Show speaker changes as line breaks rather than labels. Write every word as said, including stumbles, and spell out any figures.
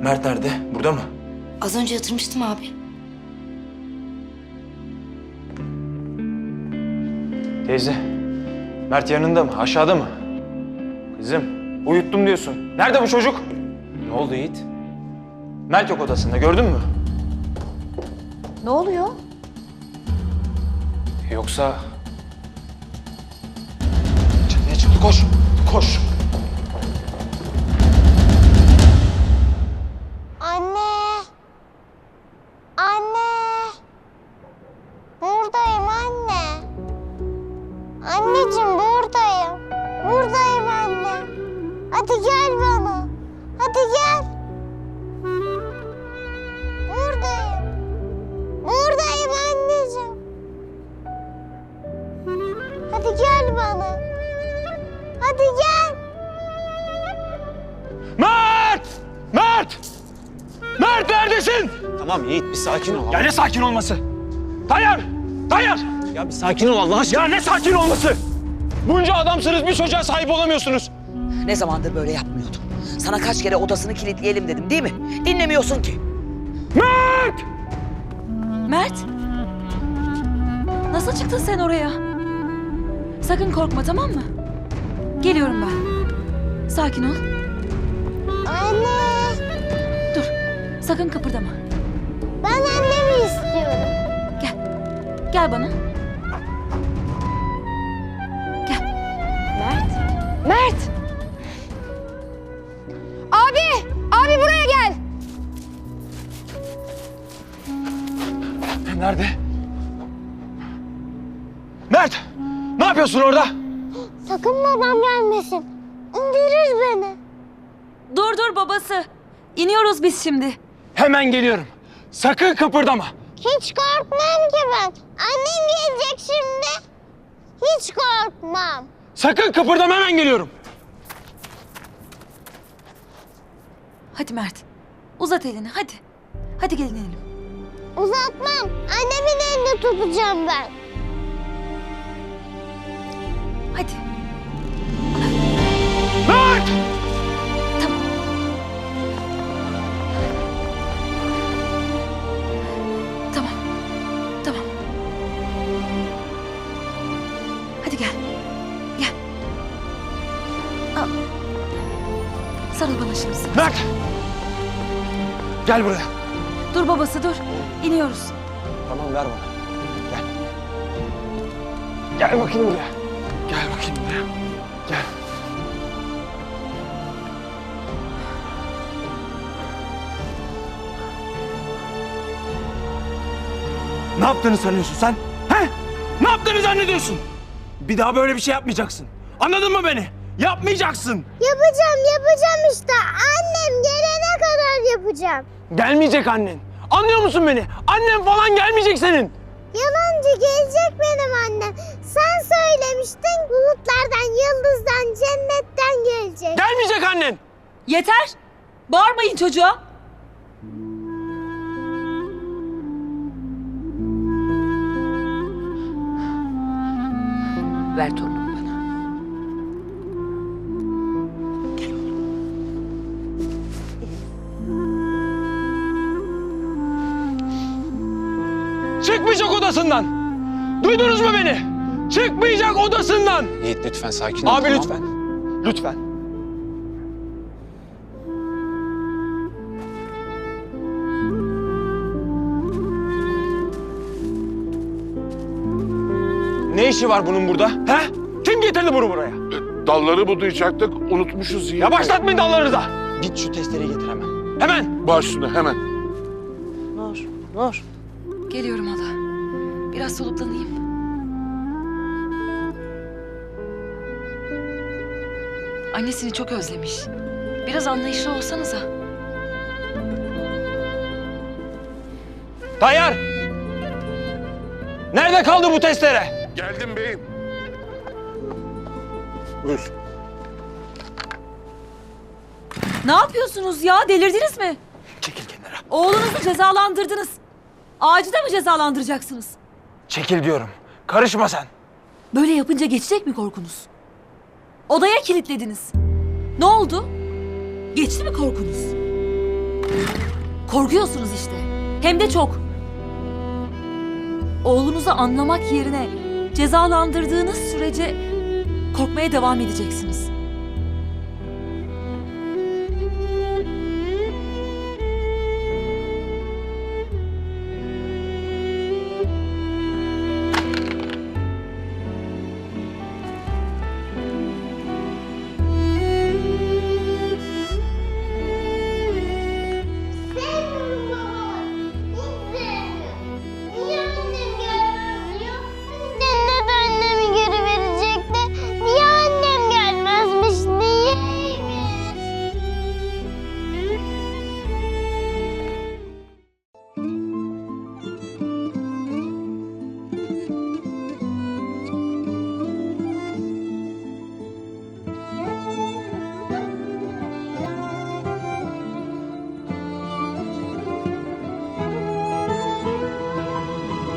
Mert nerede? Burada mı?
Az önce yatırmıştım abi.
Teyze, Mert yanında mı? Aşağıda mı? Kızım, uyuttum diyorsun. Nerede bu çocuk? Ne oldu Yiğit? Mert yok odasında, gördün mü?
Ne oluyor?
Yoksa... Çatıya çıktı, koş! Koş!
Anne! Anne! Buradayım anne. Anneciğim buradayım. Buradayım anne. Hadi gel bana. Hadi gel. Buradayım. Buradayım anneciğim. Hadi gel bana. Hadi gel.
Mert! Mert! Mert neredesin?
Tamam Yiğit bir sakin ol.
Ya ne sakin olması? Tayyar! Tayyar!
Ya bir sakin ol Allah aşkına.
Ya ne sakin olması? Bunca adamsınız, bir çocuğa sahip olamıyorsunuz.
Ne zamandır böyle yapmıyordum. Sana kaç kere odasını kilitleyelim dedim değil mi? Dinlemiyorsun ki.
Mert!
Mert! Nasıl çıktın sen oraya? Sakın korkma, tamam mı? Geliyorum ben. Sakin ol.
Anne.
Dur. Sakın kıpırdama.
Ben annemi istiyorum.
Gel. Gel bana. Gel. Mert. Mert! Abi! Abi buraya gel!
Nerede? Mert! Ne yapıyorsun orada?
Sakın babam gelmesin. İndirir beni.
Dur dur babası. İniyoruz biz şimdi.
Hemen geliyorum. Sakın kıpırdama.
Hiç korkmam ki ben. Annem gelecek şimdi. Hiç korkmam.
Sakın kıpırdama, hemen geliyorum.
Hadi Mert. Uzat elini hadi. Hadi gelin inelim.
Uzatmam. Annemin elini tutacağım ben.
Hadi.
Mert!
Tamam. Tamam. Tamam. Hadi gel. Gel. Al. Sarıl bana şimdi.
Mert! Gel buraya.
Dur babası dur. İniyoruz.
Tamam, ver bana. Gel. Gel bakayım buraya. Gel bakayım buraya. Gel. Ne yaptığını sanıyorsun sen? He? Ne yaptığını zannediyorsun? Bir daha böyle bir şey yapmayacaksın. Anladın mı beni? Yapmayacaksın.
Yapacağım, yapacağım işte. Annem gelene kadar yapacağım.
Gelmeyecek annen. Anlıyor musun beni? Annem falan gelmeyecek senin.
Yalancı gelecek benim annem. Sen söylemiştin bulutlardan, yıldızdan, cennetten gelecek.
Gelmeyecek annen.
Yeter. Bağırmayın çocuğa.
Ver torunumu bana.
Çıkmayacak odasından. Duydunuz mu beni? Çıkmayacak odasından.
Yiğit lütfen sakin ol.
Abi
tamam?
lütfen. Lütfen. Ne işi var bunun burada? He? Kim getirdi bunu buraya?
Dalları budayacaktık, unutmuşuz yine.
Ya başlatmayın dallarınıza. Git şu testereyi getir hemen. Hemen.
Baş üstüne hemen.
Nur, Nur.
Geliyorum hala. Biraz soluklanayım. Annesini çok özlemiş. Biraz anlayışlı olsanıza.
Tayyar. Nerede kaldı bu testere?
Geldim beyim. Buyur.
Ne yapıyorsunuz ya? Delirdiniz mi?
Çekil kenara.
Oğlunuzu cezalandırdınız. Ağacı da mı cezalandıracaksınız?
Çekil diyorum. Karışma sen.
Böyle yapınca geçecek mi korkunuz? Odaya kilitlediniz. Ne oldu? Geçti mi korkunuz? Korkuyorsunuz işte. Hem de çok. Oğlunuzu anlamak yerine cezalandırdığınız sürece korkmaya devam edeceksiniz.